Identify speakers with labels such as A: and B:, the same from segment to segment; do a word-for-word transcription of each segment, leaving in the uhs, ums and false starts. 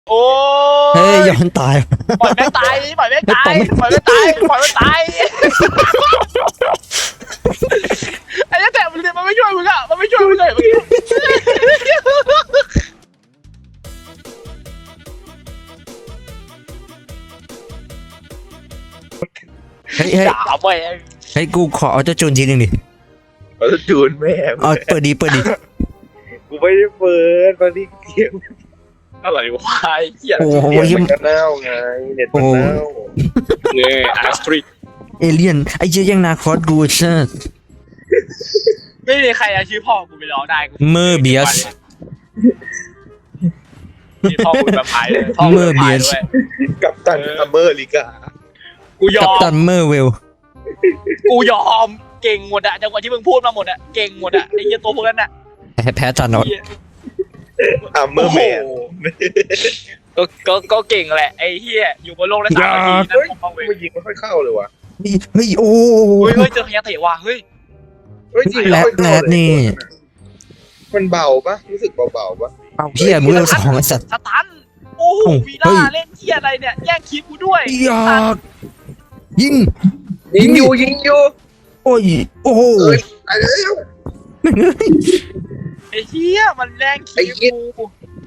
A: โอ้
B: เฮ้ย
A: ย
B: ย้อนตาย
A: ปล่อยแม่งตายปล่อยแม่งตายปล่อยแม่งตายปล่อยแม่งตายไอ้เหี้ยแต่มันมันไม่ช่วยมึงอ่ะมันไม่ช่วยมึงเลยเมื่อกี้
B: เฮ้ยเฮ้ย
A: ด่าไป
B: เฮ้ยกูขอเอาเจ้าจูนทีหนึ่งดิ
C: เอาจูนแม่ง
B: เอาเปิดดีเปิดดี
C: กูไม่ได้เปิดตอนนี้เสียง
A: อะไรวะไอ้เหี้ย
B: โอ้โห
C: เสียง
B: เหี้ย
C: มันก็เน่าไงเน็ตมันเน่า
A: เนี่ยอาร์สตรีท
B: เอเลี่ยนไอ้เจ๊ยังนาคอสกูเชอร์
A: ไม่มีใครเอาชื่อพ่อกูไปร้องได้กู
B: เมอร์เบียส
A: ชื่อพ่อกูแบบพายเลยพ่อกูแบบพายด้วย
C: กับตันอเมริกา
A: กูย
B: กั
A: อ
B: ป
A: ม
B: ตันเมอร์เวล
A: กูยอมเก่งหมดอะจังหวะที่มึงพูดมาหมดอะเก่งหมดอะไอ้เหี้ยตัวพวกนั้นอะ
B: แพ้จานอด
A: เหี้ย
C: อัมเมอร์แมน
A: ก็ก็ก็เก่งแหละไอ้เหี้ยอยู่บนโลกได้สามนาทีนั่น
C: เฮ้ย
A: ผมเอาเว้ย
C: มันยิงไม่ค่อยเข้าเลยว่ะ
B: เฮ้ยโอ้
A: เฮ้ยเฮ้ยเจอขยะเตะว่ะเฮ้ย
C: เฮ้ยจริง
B: แรด
C: ไม่ค่อยเข้า
B: แรด
C: เลย
B: นี่
C: มันเบาปะรู้สึกเบาๆปะ
B: เอาเพี้ยมือสองไอ้สัตว์
A: สตันโอ้โห
B: โอ้
A: วี
B: เฮ้
A: ล่าย เล่นเหี้ยอะไรเนี่ยแย่งคลิปกูด้วย
B: อยากยิง
C: ยิงอยู่ยิงอยู่
B: โอ้ยโอ้โห
C: เอ้ยไอ้เอ้ย
A: ไอ้เหี้ยมันแย่งคลิป
C: ไอ้เหี้ย
A: กู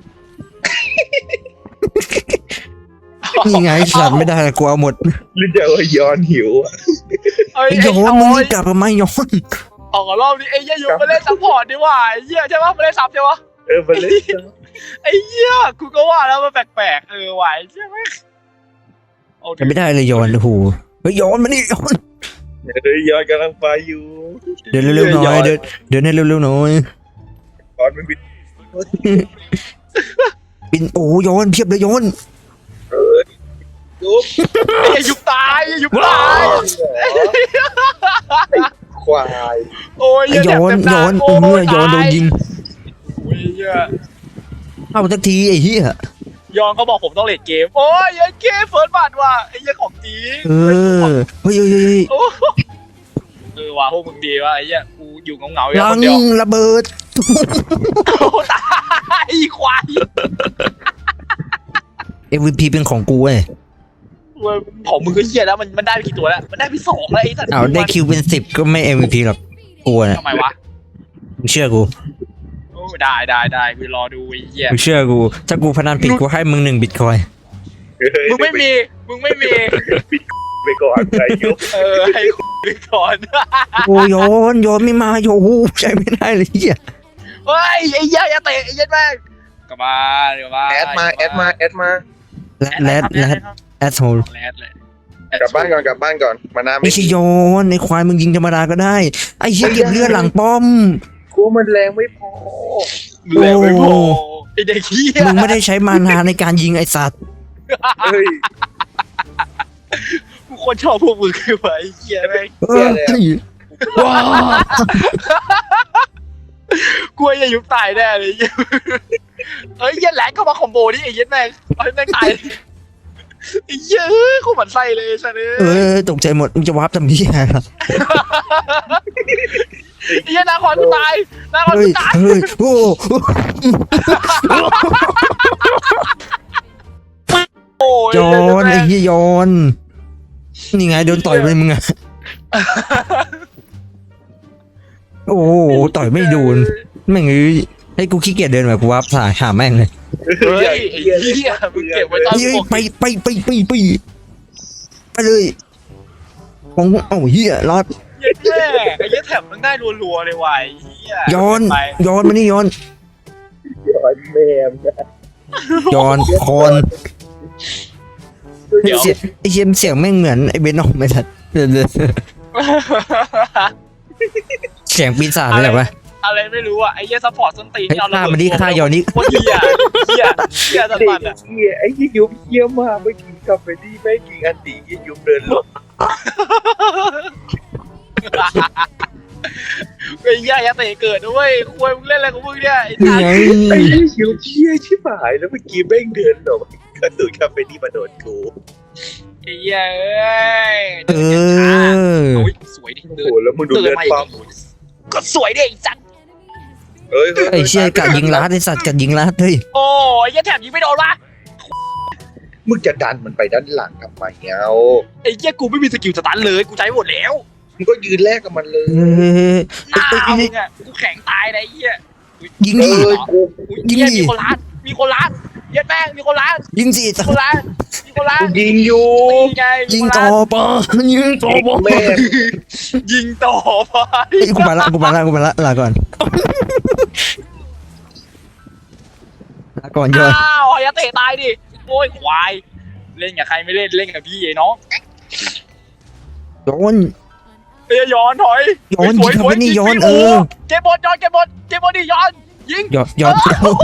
B: นี่ไงสัตว์ไม่ได้กูเอาหมด
C: หรือจะว่าย้อนหิวอะ
A: เอ้ย
B: ไอ้
A: ไอ้
B: ย้อน
A: โอ้
B: มึง
A: ย
B: กลับมาไม่ย้อน
A: ออกรอบนี้ไอ้เหี้ยอยู่มาเล่นซัพพอร์ตดีกว่าไอ้เหี้ยใช่ปะมาเล่นซับใช่ปะ
C: เออมันเล่น
A: ไอ้เหี้ยกูก็ว่าแล้วมันแปลกๆเออไหวใช่ไหมโอ้
B: ไม่ได้เลยย้อนโอ้โหเฮ้ยย้อนมานี่ย้อน
C: เฮ้ยย้อนกำลังไปอยู่
B: เดินเร็วๆหน่อยเดินเดินให้เร็วๆหน่อย
C: ย้อนมันบิด
B: ปินโอ้ย้อนเพียบเลยย้อน
C: ยุบ
A: ไอ้ยุบตายยุบตาย
C: ควาย
A: โอ้ย
B: ไอ้ย้อนย้อนเออย้อนโดนยิง
A: โอ้ยเหี้ย
B: เอาสักทีไอ้เหี้ย
A: ย้อนเขาบอกผมต้องเล่นเกมโอ้ยไอ้เกมเฟิร์สบัตว่ะไอ้เหี้ยของจริง
B: เออเฮ้ยเฮ้ยเฮ้ย
A: โอ้เออว่ะพวกมึงดีว่ะไอ้เหี้ยกูอยู่เงาๆอยู่
B: ลั
A: ค
B: ง
A: นเดียว
B: ระเบิด
A: โอ้ตายไอ้ควาย
B: เอ็ม วี พี เป็นของกูเว้ย
A: เว้ยของมึงก็เหี้ยแล้วมันมันได้ไปกี่ตัวแล้วมันได้ไปสองแล้วไอ้สัตว์
B: เอาได้คิวเป็นสิบก็ไม่ เอ็ม วี พี หรอกกูน่ะ
A: ทำไมวะ
B: มึงเชื่อกู
A: โอ้ได้ได้ได้กูรอดูไอ้เหี้ย
B: มึงเชื่อกูถ้ากูพนันผิดกูให้มึงหนึ่งบิตคอย
A: มึงไม่มีมึงไม่มี
C: ไปก่อนใจยุบ
A: เออให้คุยก่อน
B: โอ้ย้อนย้อนไม่มาโยใช้ไม่ได้เลยเหี้ย
A: เฮ้ยไอ้เหี้ยอย่าเตะไอ้เหี้ยแม่งกลับมาเดี๋ยวมา
C: แอดมาแอดมาแอดมา
B: แรดแรดแรดแอดโฮล
A: แรดเลย
C: กลับบ้านก่อนกลับบ้านก่อนมาน้ำ
B: ไม่ใช่ย้อนไอ้ควายมึงยิงธรรมดาก็ได้ไอ้เหี้ยเก็บเลือดหลังป้อม
C: กูมันแรงไม่พอ
A: แรงไม่พอไอ้เด็กเหี้ย
B: มึงไม่ได้ใช้มานาในการยิงไอ้สัตว์
C: เฮ้ย
A: กูคนชอบพวกมึงคือไอ้เหี้ยแม่ง
B: เออว้า
A: กูจะยุบตายแน่เลยเหี้ยเอ้ยเหี้ยแหลกเข้ามาคอมโบนี่ไอ้เหี้ยแม่งไอ้แม่งตายไอ้เหี้ยเอ้ยกูหมั่นไส้เลยสัส
B: เออตกใจหมดมึงจะวาร์ปทำเหี้ยอะไร
A: ไอ้เหี้ยนาคอนกูตายนาคอน
B: เฮ้
A: กู
B: ย
A: ตาย
B: เฮ้ยโอ้
A: โอ้ย
B: ย้อนไอ้เหี้ยย้อนนี่ไงโดนต่อยไปมึงอะโอ้โหต่อยไม่โดนแม่งเอ้ยให้กูขี้เกียจเดินแบบกูวาร์ปสายหาแม่งเลย
A: เฮ้ยไอ้เหี้ยมึงเก็บไว้ตอน
B: เฮ้ย
A: พวก
B: ไปไปไปไปไปไปเลยของเอ้าเหี้ยรอด
A: เหี้ยแม่ไอ้เหี้ยแถบมันได้รัวๆเลยว่ะไอ้เหี้ย
B: ย้อน
A: ไป
B: ย้อนมานี่ย้อน
C: ย้อนแมม
B: ย้อนคอน
A: เดี๋ยว
B: เสียงไอ้เสียงเสียงแม่งเหมือนไอ้เบนอมไม่ทัดเสียงปีศาจเลยเหรอวะ
A: อะไรไม่รู้อ่ะไอ้เหี้ยซัพพอร์ตส้นตีน
B: ไอ้
A: ที่เอาระ
B: ฆ่า
A: เบิด
B: มันดิฆ่าย้อนนี่
A: โคตรเหี้ยเหี้ยเหี้ยสัสมันอ่ะ
C: เฮียไอ้ยี่ยุบเฮียมากเมื่อกี้กลับไปที่แม่กิงอันตียี่ยุบเดินลง
A: ไอ้เหี้ยอย่าเตะเกิดด้วยคุยมึงเล่นอะไรของมึงเนี่ยไอ้
B: นี่
A: ตา
B: ไง
C: ไอ้ยี่ยุบเฮียชิบหายแล้วเมื่อกี้แม่งเดินหลงกระตุกกลับไปที่มาโดนกู
A: ไอ้เหี้ยเอ้ย
B: เออ
A: โอ้ยสวยดิ
C: โอ้
A: เดิ
C: โห
A: น
C: แล้วมึงดู
A: เดิน
C: เลือด
A: มาอี
C: ปั๊ม
A: กก็สวยดิไอ้จัด
C: เฮ้ยฮ้ย
B: ไอ้เชี่ยกัดยิงลัดไอ้สัตว์กัดยิงลัดเฮ้ย
A: โอ้ยไอ้แถบยิงไม่โดนวะ
C: มึงจะดันมันไปด้านหลังทำไมเอา
A: ไอ้เหี้ยกูไม่มีสกิลสตันเลยกูใช้หมดแล้ว
C: มึงก็ยืนแลกกับมันเลย
B: เฮ้ย
A: หน้ามึงอะกูแข็งตายเลยไอ้เหี้ย
B: ยิง
C: เอ
B: ดิ
C: อกู
A: อุ๊
B: ยิง
A: เหี้
B: ดิ
A: มีคนล้านมีคนล้านเหี้ย็ดแม่งมีคนล้าน
B: ยิงสิ
A: มีคนล้านมีคนล้าน
C: กูยิงอยู่
A: ตีไง
B: ยิง
A: มีคน
B: ต่อ
A: ล้าน
B: ปะยิงต่อปะ
C: แม่
A: ยิงต่อไป
B: เฮ้ยกูไปละกูไปละกูไปละลาก่อนลาก่อนยอน
A: อ้าวอย่าเตะตายดิโอ้ยควายเล่นกับใครไม่เล่นเล่นกับพี่ไอ้น้อง
B: ยอน
A: เอ้ยย้อนถอย
B: ย้อน
A: สวย
B: ยิง
A: ส
B: เข้า
A: วย
B: ไปนี่
A: สวย
B: ย้อน
A: โโห
B: เออ
A: เก็บบอลย้อนเก็บบอลเก็บบอลดิย้อนยิง
B: ยอนยอน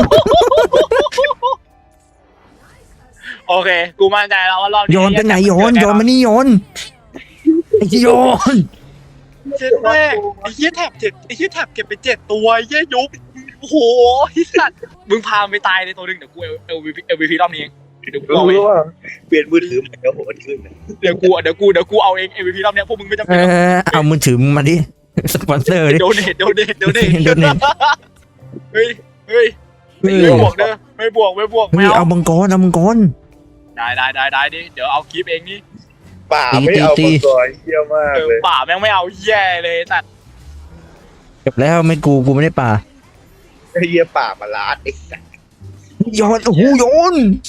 A: โอเคกูมั่นใจแล้วว่ารอบนี้
B: ยอนไปไหนยอนยอนมานี่ยอนไอ้ยอน
A: เจ็ดแม่ไอ้เหี้ยแถบเจ็ดไอ้เหี้ยแถบเก็บไปเจ็ดตัวไอ้เหี้ยยุบโอ้โหไอ้สัตว์มึงพาไปตายในตัวหนึงเดี๋ยวกูเอลเอลวีพีเอลวีพีรอบนี้เองเดี๋ยวกูเอาเอง
C: รู้ว่าเปลี่ยนมือถือใหม่แล้วโหดขึ้นนะ
A: เดี๋ยวกูเดี๋ยวกูเดี๋ยวกูเอาเองเอลวีพีรอบเนี้ยพวกมึงไม่จำ
B: เอ
A: เป็นต้อง
B: อเอามือถือมึงมาดิสปอนเซอร์ดิ
A: โดเนทโดเนทโดเนท
B: โดเนท
A: เฮ้ยเฮ้ย
B: เฮ้ย
A: ไม่บวกเด้อไม่บวกไม่บวก
B: เฮ้
A: ไม่
B: ย
A: เอา
B: เอามังกรเอามังกร
A: ได้ได้ได้ได้ดิเดี๋ยวเอาคลิปเองนี่
C: ป่าไม่เอา
B: ตี
C: มา
B: ตี
C: ก่อนเยี่ยมาก
A: เออ
C: เลย
A: ป่าแม่งไม่เอาแย่เลยสัตว์
B: จบแล้วไม่กูกูไม่ได้ป่า
C: ไอ้เยี่ยป่ามาลาดไอ้สัส
B: ยอนโอ้โหยอน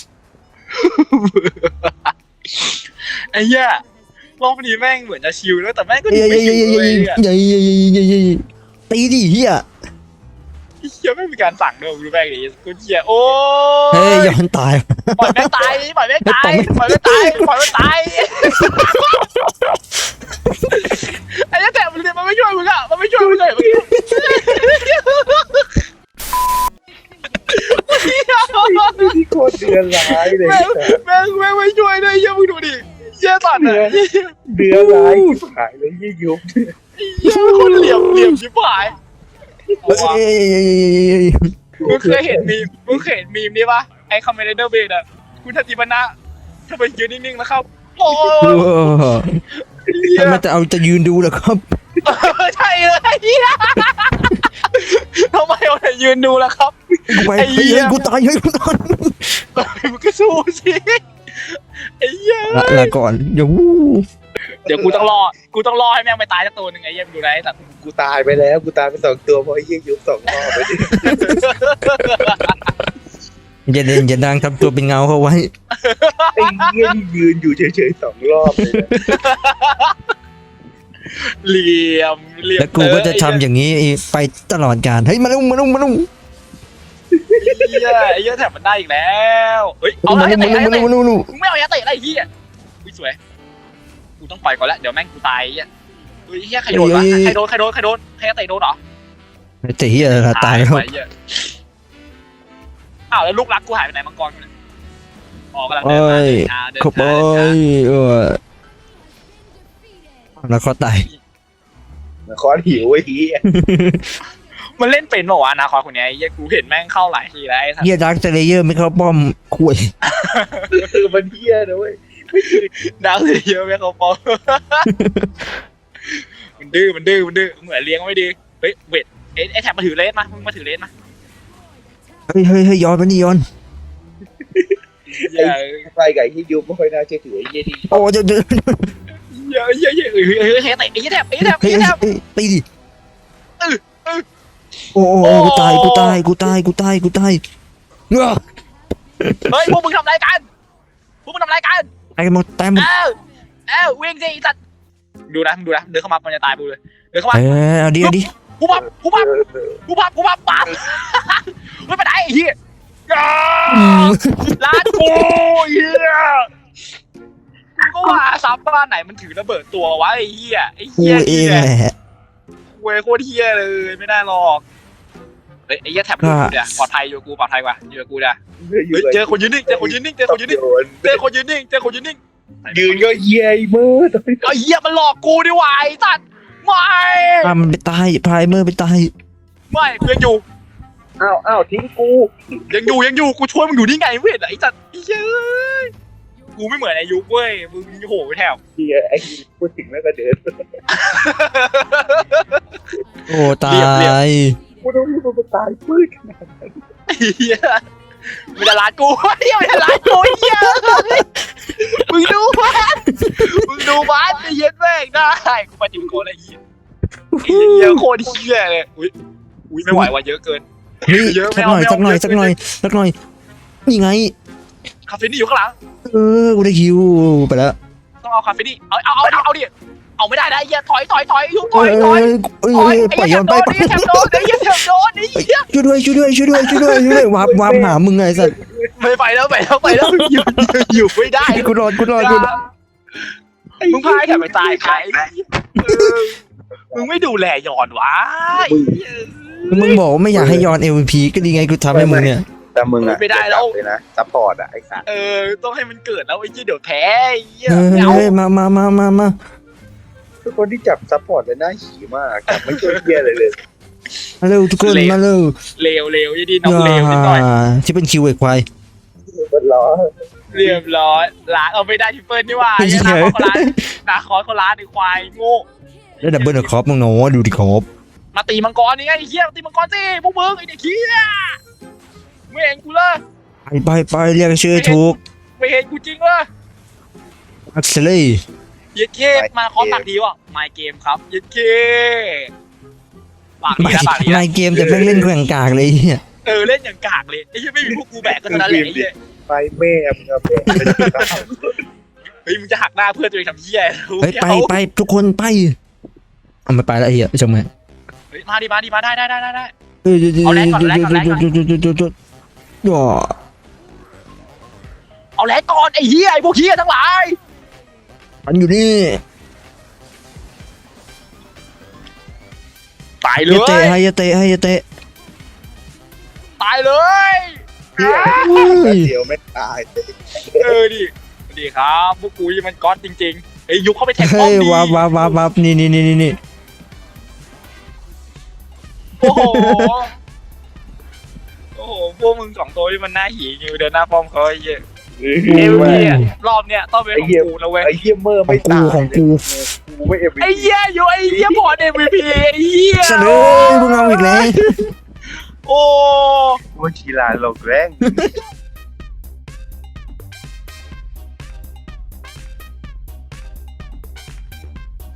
A: ไอ้เหี้ยรอบนี้แม่งเหมือนจะชิลแล้วแต่แม่งก็ดู
B: เย้
A: ไม่
B: เย้
A: ชิล
B: เย้
A: เลย
B: เย้
A: อะ
B: เย้เย้เย้เย้เย้ตีดิเฮีย
A: ไอ้เหี้ยไม่มีการสั่งด้วยดูแม่งดิกูเหี้ยโอ้
B: เฮ้ย
A: ย
B: ยอนตาย
A: ปล่อยแม่งตายปล่อยแม่งตายปล่อยแม่งตายปล่อยแม่งตายไอ้เหี้ยแต่มันมันไม่ช่วยมึงอะมันไม่ช่วยมึงเลยเมื่อกี้
C: ที่โคตรเดือดร้ายเลย
A: แม่งแม่งแม่งไม่ช่วยเลยเหี้ยมึงดูดิเหี้ยสัตว์อะเหี้ย
C: เดือดร้ายที่หายเลยยี่ยุบ
A: เหี้ยคนเหลี่ยมเหลี่ยมชิบหายเอาวะ
B: เฮ้ย
A: มึงเคยเห็นมีมมึงเคยเห็นมีมนี่ปะไอ้คอมเมนเดอร์เบดอะคุณทัติปนะทำไมยืนนิ่งๆแล้วครับโอ้ยเหี้ย
B: ทำไมจะเอาจะยืนดูเหรอครับ
A: ใช่เลยเหี้ยทำไมเอาแต่ยืนดูล่ะครับ
B: กูไป
A: ไอ้เหี้
B: เฮ้
A: ย
B: ยกูตายเฮ้ยกูตาย
A: มึงก็สู้สิไอ้เหี้ย
B: ละละก่อนเดี๋ยว
A: เดี๋ยวกูต้องรอกูต้องรอให้แม่งไปตายสักตัวหนึ่งไอ้เหี้ยมึงดูนะไอ้สัตว์
C: กูตายไปแล้วกูตายไปสองตัวเพราะไอ้ยี่ยุบสองรอบไปดิ
B: อย่าเด่นอย่าดังทำตัวเป็นเงาเขาไว้
C: ไอ้เยี่ยนี่ยืนอยู่เฉยๆสองรอบเลยนะ
A: เหลี่ยมเหลี่ยม
B: แล้วกูก็จะทำอย่างนี้ไปตลอดกาลเฮ้ยมาลุ่มมาลุ่มมาลุ่ม
A: ไอ้เหี้ยไอ้เหี้ยแถบมันได้อีกแล้วเฮ้ยเอา
B: มา
A: ละ
B: ลุ่ม
A: ไอ้
B: มา
A: เตะ
B: ลุ่ม
A: ไอ้
B: มาลุ่ม
A: เตะ
B: มาลุ่ม
A: มึงไม่เอาไอ้เตะอะไรไอ้เหี้ยอุ้ยสวยกูต้องปล่อยก่อนละเดี๋ยวแม่งกูตายไอ้เหี้ยเฮ้ยไอ้เหี้ยใครโดนวะใครโดนใครโดนใครโดนใครเตะโดนเหรอ
B: แต่เฮียตายแล้ว
A: ไอ้เหี้ยอ้าวแล้วลูกรักกูหายไปไหนมังกรกูเนี่ยออกกำลังเดินมาเดินช้าเดิน
B: ขบ
A: ช้า
B: อ
A: เดินช้าย
B: เออแล้วเขาตาย
C: คอนหิวไอ้เหี้ย
A: มันเล่นเป็นเปล่าวะอนาคตคนเนี้ยไอ้เหี้ยกูเห็นแม่งเข้าหลายทีแล้วไอ้สัส
B: เฮียดักเลเยอร์ไม่เข้าป้อมคุย
C: คือมันเหี้ยนะเว้ย
A: ดังเลยเยอะแม่งเขาปองมันดื้อมันดื้อมันดื้อเหมือนเลี้ยงไม่ดีเฮ้ยเวทไอ้ไอ้แถบมาถือเลสมามึงมาถือเลสมา
B: เฮ้ยเฮ้ยเฮ้ยย้อนมานี่ย้อน
A: อย่า
C: ไปกับไอ้ยี่ยุบไม่ค่อยน่าเชื่อถือไอ้เยี่ยนี่
B: โอ้เดี๋ยวเดี๋ยว
A: อย่าอย่าอย่าเฮ้ยเฮ้ยเฮ้ยเฮ้ยเตะไอ้แถบไอ้แถบ
B: เฮ้ย
A: ไอ้แถบ
B: ตีดิ
A: เออเออ
B: โอ้โอ้กูตายกูตายกูตายกูตายกูตายเงา
A: เฮ้ยพวกมึงทำอะไรกันพวกมึงทำอะไรกัน
B: ตายหมดตายหมด
A: เอ้าเอ้าวิ่งสิไอ้สัตว์ดูนะมึงดูนะเดินเข้ามามันจะตายกูเลยเดินเข้ามา
B: เออเอาดิเอาดิ
A: กูปั๊บกูปั๊บกูปั๊บกูปั๊บปั๊บไม่ไปไหนไอ้เหี้ยอ่าร้านกูเหี้ยกูก็ว่าซับบ้านไหนมันถือระเบิดตัววะไอ้เหี้ยไอ้
B: กู
A: เหี้ย
B: เองแหละ
A: เว้ยโคตรเหี้ยเลยไม่ได้หรอกเฮ้ยไอ้เหี้ยแท็บอยู่กูเนี่ยปลอดภัยอยู่กูปลอดภัยกว่าอยู่กับกูเนี่ยเฮ้ยเจอคนยืนนิ่งเจอคนยืนนิ่งเจอคนยืนนิ่งเจอคนยืนนิ่งเจอคนยืนนิ่ง
C: ยืนก็เหี้ยไอ้เมื่อตอนนี้
A: ไอ้เหี้ยมันหลอกกูดิวะไอ้สัตว์ไม่
B: พามันไปตายพายเมอร์ไปตาย
A: ไม่กูยังอยู่
C: อ้าวอ้าวทิ้งกู
A: ยังอยู่ยังอยู่กูช่วยมึงอยู่นี่ไงเว้ยไอ้สัตว์ไอ้เหี้ยกูไม่เหมือนไอ้ยุคเว้ยมึงโหไปแถว
C: เหี้ยไอ้พูดถึงแล้วก็เดิน
B: โอ้ตา
A: เรียบเรียบ
B: ย
C: กูต้องรีบมาตายพืชขนาดนั้น
A: ไอ้เหี้ยไม่ได้ร้านกูเหี้ยไม่ได้ร้านกูเหี้ยเหี้ยโคตรเหี้ยเลยอุ้ยอุ้ยไม่ไหวว่ะเยอะเกิน
B: เฮ้ย
A: เยอะไม่
B: สัก
A: เอา
B: หน่อย
A: ไม่เอา
B: สักหน่อย
A: เยอะ
B: สักหน่อย
A: เกิน
B: สักหน่อยนี่ไง
A: คาเฟนี่อยู่ข้างหลัง
B: เออกูได้คิวไปแล้ว
A: ต้องเอาคาเฟนี่เอาเอาเอาดิเอาดิเอาไม่ได้นะไอ้เหี้ยถอยถอยถอยยุบถ
B: เอ้
A: อย
B: ย
A: ถอย
B: เอ้ย
A: ถอย
B: เอ้ย
A: ไอ้
B: ปล่อย
A: เหี้
B: ย้
A: ย
B: อน
A: แถ
B: ไป
A: บโดนไอ้เหี้ยแถบโดนไอ้เหี้ยแถบโดนไอ้เหี้ย
B: ช่วยด้วยช่วยด้วยช่วยด้วยช่วยด้วยช่วยด้วยวาร์ปวาร์ปหามึงไงสัตว์
A: ไม่ไปแล้วไปแล้วไปแล้วอยู่อยู่ไม่ได้
B: กูรอดกูรอดกูรอด
A: มึงพายแถบไปตายใครมึงไม่ดูแลยอนวะ
B: มึงบอกว่าไม่อยากให้ย้อน เอ็ม วี พี ก็ดีไงกูทำให้มึงเนี่ย
C: แต่มึงอะ
A: ไม่ได้แล้ว
C: เลยนะซัพพอร์ตอะไอ้สัตว์
A: เออต้องให้มันเกิดแล้วไอ้เหี้ยเดี๋ยวแพ้ไอ้เหี้ย
B: เฮ้
A: ไม่เอา
B: ยมามามามามา
C: ทุกคนที่จับซัพพอร์ตเลยน่าขี่มากจับไม่ช่วยเหี้ยเลยเลย
B: มาเร็วทุกคนมาเร็ว
A: เลวเลวยี่ดีน้องเลวนิดหน่อย
B: ที่เป็นคิวไอ้ควาย
C: มันล้อ
A: เรียบร้อยล้างเอาไม่ได้ทิปเปิลนี่ว่าไอ้นาคอเขาล้างนาคอเขาล้างในควายโง่
B: แล้วดับเบิลคอปมึงเนาะดูดิคอป
A: มาตีมังกรนี่ไงไอ้เหี้ยมาตีมังกรสิพวกมึงไอ้เด็กเหี้ยไม่เห็นกูเลย
B: ไปไปไปเรียกชื่อถูก
A: ไม่เห็นกูจริงเลย
B: อักเซลี่
A: ยึดเคมาคอตักดีว่ะไมเกมครับยึดเคปาก
B: ไม่
A: ดีนะปากดี
B: ไม่
A: นะ
B: เกมแต่แม่งเล่นแข่งกากเลยเนี่ย
A: เออเล่นอย่างกากเลยไอ้เหี้ยไม่มีพวกกูแบกก็เท่านั้นแหละไอ้เหี้ย
C: ไปแม่มึงอะแม่
A: เฮ้ยมึงจะหักหน้าเพื่อนตัวเองทำเหี้ย
B: เฮ้ยไปไปทุกคนไปเอามาไปแล้วไอ้เหี้ยจังไหม
A: เฮ้ยมาดิมาดิมาได้ได้ได้ได้ได้
B: เอ้ย
A: เอาแรงก่อนแรงก่อนแรงก่อน
B: ย่อ
A: เอาแลกก่อนไอ้เหี้ยไอ้พวกเหี้ยทั้งหลาย
B: มันอยู่นี่
A: ตาย
B: อ
A: เล
B: ย่าเตะ
A: ย
B: ให้อย่าเตะให้อย่าเตะ
A: ตายเลย
C: เหี้ยเดียวไม่ตาย
A: เออดิดีครับพวกกูมันก๊อตจริงๆไอ้ยยุคเข้าไปแทงป้อ
B: เฮ้
A: ม
B: ย
A: ดี
B: วับวับวับวับนี่นี่นี่นี่นี่
A: โอ้โหโอ้โหพวกมึงสองตัวที่มันหน้าหีอยู่เดินหน้าป้อมเขาไอ้เหี้ยเอ็มพีอะรอบเนี้ยต้องเป็นของกูนะเว้ย
C: ไอ้เหี้ยเมอร์
B: ขอ
C: ไม่
B: งกู
C: ตาย
B: ของกู
C: กูไม่เอ็ม
A: ไอ้เหี้ยอยู่ไอ้เหี้ยพอเอ็มพีไอ้เหี้ย
B: เฉลยมึงเอาอีกแล้ว
A: โอ้
C: กูชีลาลงแรง